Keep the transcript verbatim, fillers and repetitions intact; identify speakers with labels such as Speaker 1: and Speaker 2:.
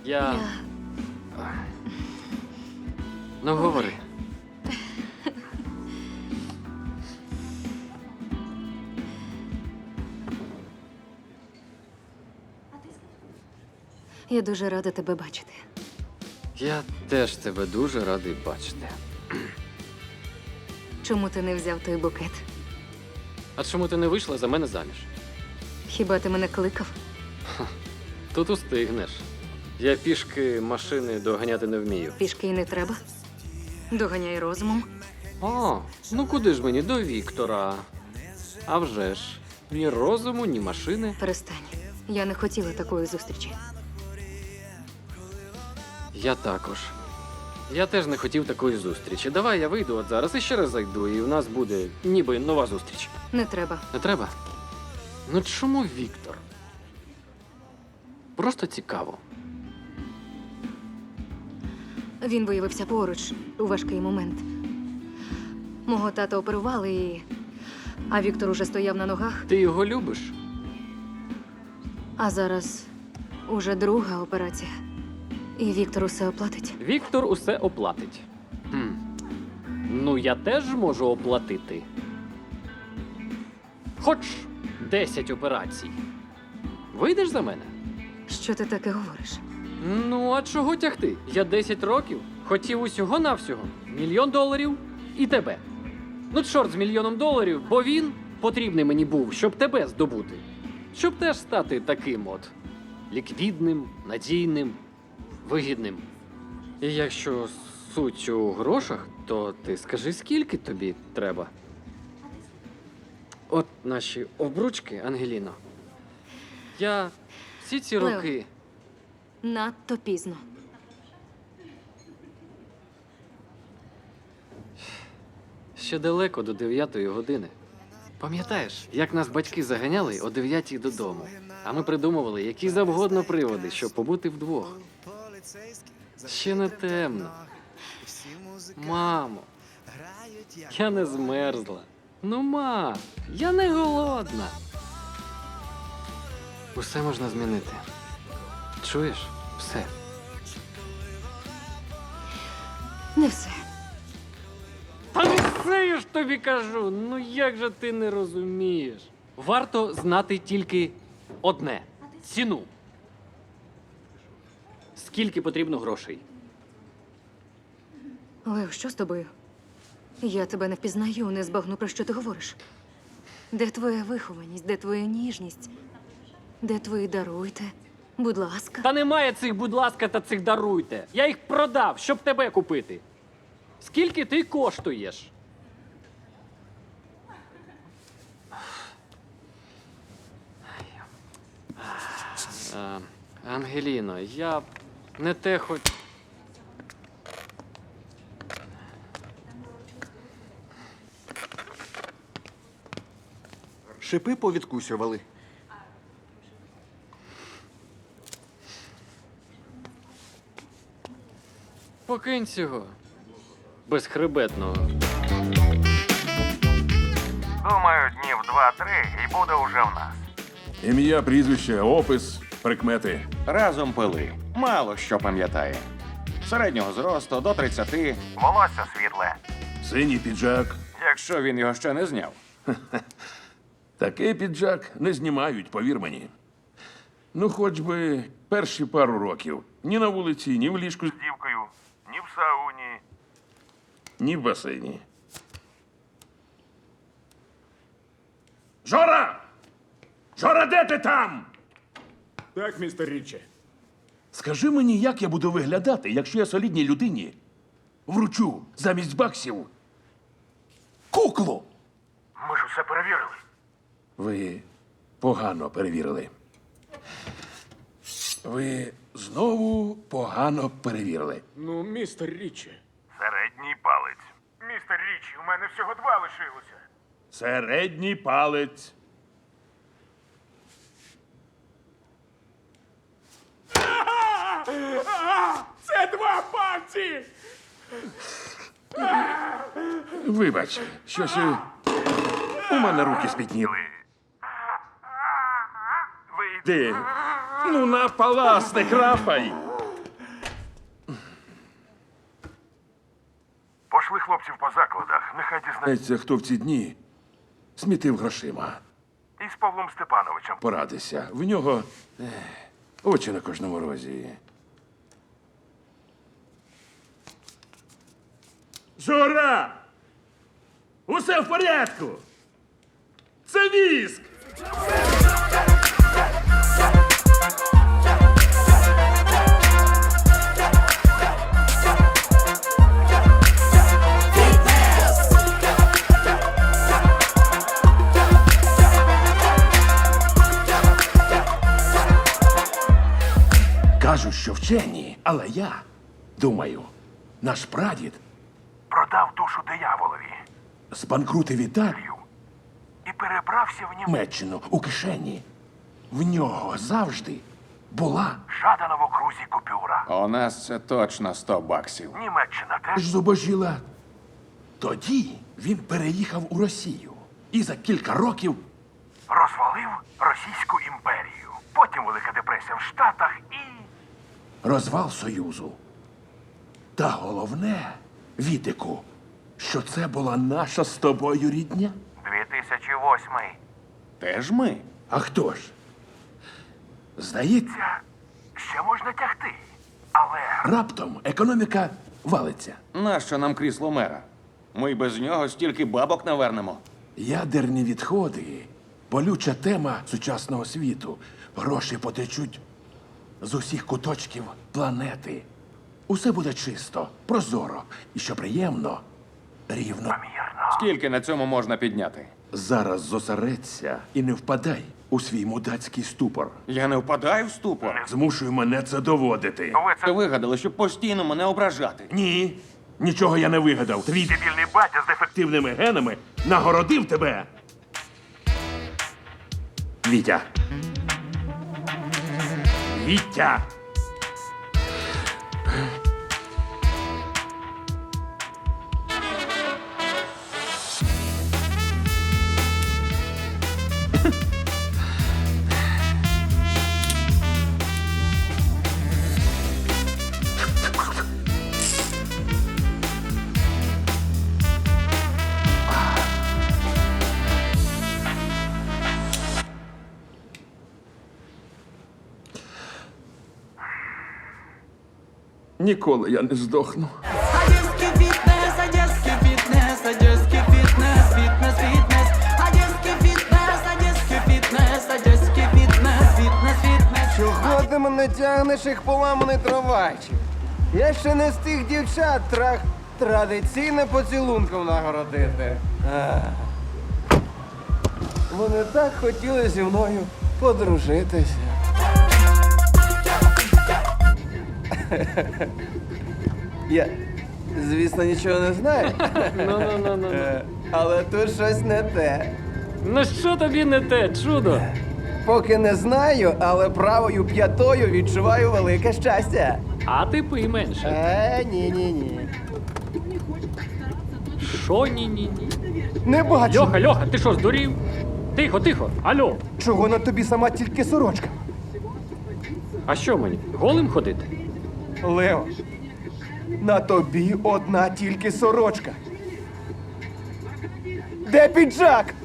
Speaker 1: Я...
Speaker 2: Я...
Speaker 1: Ну, говори.
Speaker 2: Я дуже рада тебе бачити.
Speaker 1: Я теж тебе дуже радий бачити.
Speaker 2: Чому ти не взяв той букет?
Speaker 1: А чому ти не вийшла за мене заміж?
Speaker 2: Хіба ти мене кликав?
Speaker 1: Тут устигнеш. Я пішки машини доганяти не вмію.
Speaker 2: Пішки й не треба. Доганяй розумом.
Speaker 1: О, ну куди ж мені до Віктора? А вже ж. Ні розуму, ні машини.
Speaker 2: Перестань. Я не хотіла такої зустрічі.
Speaker 1: Я також. Я теж не хотів такої зустрічі. Давай я вийду от зараз і ще раз зайду, і в нас буде ніби нова зустріч.
Speaker 2: Не треба.
Speaker 1: Не треба? Ну чому Віктор? Просто цікаво.
Speaker 2: Він виявився поруч у важкий момент. Мого тата оперували і... А Віктор уже стояв на ногах,
Speaker 1: Ти його любиш?
Speaker 2: а зараз уже друга операція. І Віктор усе оплатить.
Speaker 1: Віктор усе оплатить. Хм. Ну, я теж можу оплатити. Хоч десять операцій. Вийдеш за мене?
Speaker 2: Що ти таке говориш?
Speaker 1: Ну, а чого тягти? Я десять років хотів усього-навсього мільйон доларів і тебе. Ну, чорт з мільйоном доларів, бо він потрібний мені був, щоб тебе здобути. Щоб теж стати таким от ліквідним, надійним, вигідним. І якщо суть у грошах, то ти скажи, скільки тобі треба. От наші обручки, Ангеліно. Я всі ці
Speaker 2: Лео.
Speaker 1: роки...
Speaker 2: Надто пізно.
Speaker 1: Ще далеко до дев'ятої години. Пам'ятаєш, як нас батьки заганяли о дев'ятій додому, а ми придумували які завгодно приводи, щоб побути вдвох. Ще не темно. Мамо, я не змерзла. Ну, ма, я не голодна. Усе можна змінити. Чуєш? Все.
Speaker 2: Не все.
Speaker 1: Та не все я ж тобі кажу. Ну як же ти не розумієш? Варто знати тільки одне – ціну. Скільки потрібно грошей?
Speaker 2: Лео, що з тобою? Я тебе не впізнаю, не збагну, про що ти говориш. Де твоя вихованість, де твоя ніжність? Де твої даруйте? Будь ласка.
Speaker 1: Та немає цих, будь ласка, та цих даруйте. Я їх продав, щоб тебе купити. Скільки ти коштуєш? А, Ангеліно, я не те хоч...
Speaker 3: Шипи повідкусювали.
Speaker 1: Покинь цього. Безхребетного.
Speaker 4: Думаю, днів два-три і буде уже в нас.
Speaker 5: Ім'я, прізвище, опис, прикмети.
Speaker 6: Разом пили. Мало що пам'ятає. Середнього зросту до тридцяти,
Speaker 4: Волосся світле.
Speaker 5: Синій піджак.
Speaker 6: якщо він його ще не зняв.
Speaker 5: Такий піджак не знімають, повір мені. Ну, хоч би перші пару років. Ні на вулиці, ні в ліжку,
Speaker 4: З дівкою, ні в сауні.
Speaker 5: ні в басейні. Жора! Жора, де ти там?
Speaker 7: Так, містер Річі.
Speaker 5: Скажи мені, як я буду виглядати, якщо я солідній людині вручу замість баксів куклу?
Speaker 4: Ми ж усе перевірили.
Speaker 5: Ви погано перевірили. Ви знову погано перевірили.
Speaker 7: Ну, містер Річі.
Speaker 4: Середній палець. Містер Річі, у мене всього два лишилося.
Speaker 5: Середній палець.
Speaker 7: Це два пальці!
Speaker 5: Вибач, щось е, у мене руки спітніли.
Speaker 4: Ви...
Speaker 5: Ти, ну на палас не крапай.
Speaker 4: Розійшли хлопців по закладах. Нехай дізнається.
Speaker 5: Знається, хто в ці дні смітив грошима.
Speaker 4: І з Павлом Степановичем.
Speaker 5: Порадися. В нього ех, очі на кожному розі.
Speaker 7: Жора! Усе в порядку! Це віск!
Speaker 5: Кажуть, що вчені, але я думаю, наш прадід
Speaker 4: Продав душу дияволові.
Speaker 5: збанкрутив Італію,
Speaker 4: І перебрався в Німеччину.
Speaker 5: Німеччину у кишені. В нього завжди була
Speaker 4: Жадана в окрузі купюра.
Speaker 6: У нас це точно сто баксів.
Speaker 4: Німеччина теж.
Speaker 5: ж зубожіла. Тоді він переїхав у Росію і за кілька років
Speaker 4: Розвалив Російську імперію. Потім Велика депресія в Штатах і...
Speaker 5: розвал Союзу. Та головне, Вітику, що це була наша з тобою рідня.
Speaker 4: дві тисячі восьмий.
Speaker 6: Теж ми.
Speaker 5: А хто ж? Здається,
Speaker 4: Ця ще можна тягти. Але
Speaker 5: раптом економіка валиться.
Speaker 6: Нащо нам крісло мера? Ми й без нього стільки бабок навернемо.
Speaker 5: Ядерні відходи болюча тема сучасного світу. Гроші потечуть з усіх куточків планети. Усе буде чисто, прозоро і, що приємно, рівно.
Speaker 4: мірно.
Speaker 6: Скільки на цьому можна підняти?
Speaker 5: Зараз зосередься і не впадай у свій мудацький ступор.
Speaker 6: Я не впадаю в ступор.
Speaker 5: Змушуй мене це доводити.
Speaker 4: Ви
Speaker 6: Це
Speaker 4: це
Speaker 6: вигадали, щоб постійно мене ображати.
Speaker 5: Ні, нічого я не вигадав. Твій
Speaker 4: дебільний батя з дефективним.
Speaker 5: активними генами нагородив тебе. Вітя. Вітя. Ніколи я не здохну.
Speaker 3: Одесский фитнес, одесский фитнес, одесский фитнес, фитнес, фитнес. Одесский фитнес, одесский фитнес, одесский фитнес, фитнес, фитнес.
Speaker 8: Чого ти мене тягнеш, як поламаний трамвайчик? Я ще не з тих дівчат трах традиційне поцілунком нагородити. Ах. Вони так хотіли зі мною подружитися. Я, звісно, нічого не знаю.
Speaker 1: Ну-ну-ну-ну.
Speaker 8: Е, Але тут щось не те.
Speaker 1: Ну що тобі не те, чудо?
Speaker 8: Поки не знаю, але правою п'ятою відчуваю велике щастя.
Speaker 1: А ти пий менше.
Speaker 8: Е, ні-ні-ні.
Speaker 1: Що ні-ні-ні?
Speaker 8: Не бачу.
Speaker 1: Льоха, Льоха, ти що, здурів? Тихо, тихо, алло.
Speaker 8: Чого на тобі сама тільки сорочка?
Speaker 1: А що мені? Голим ходити?
Speaker 8: Лео, на тобі одна тільки сорочка. Де піджак?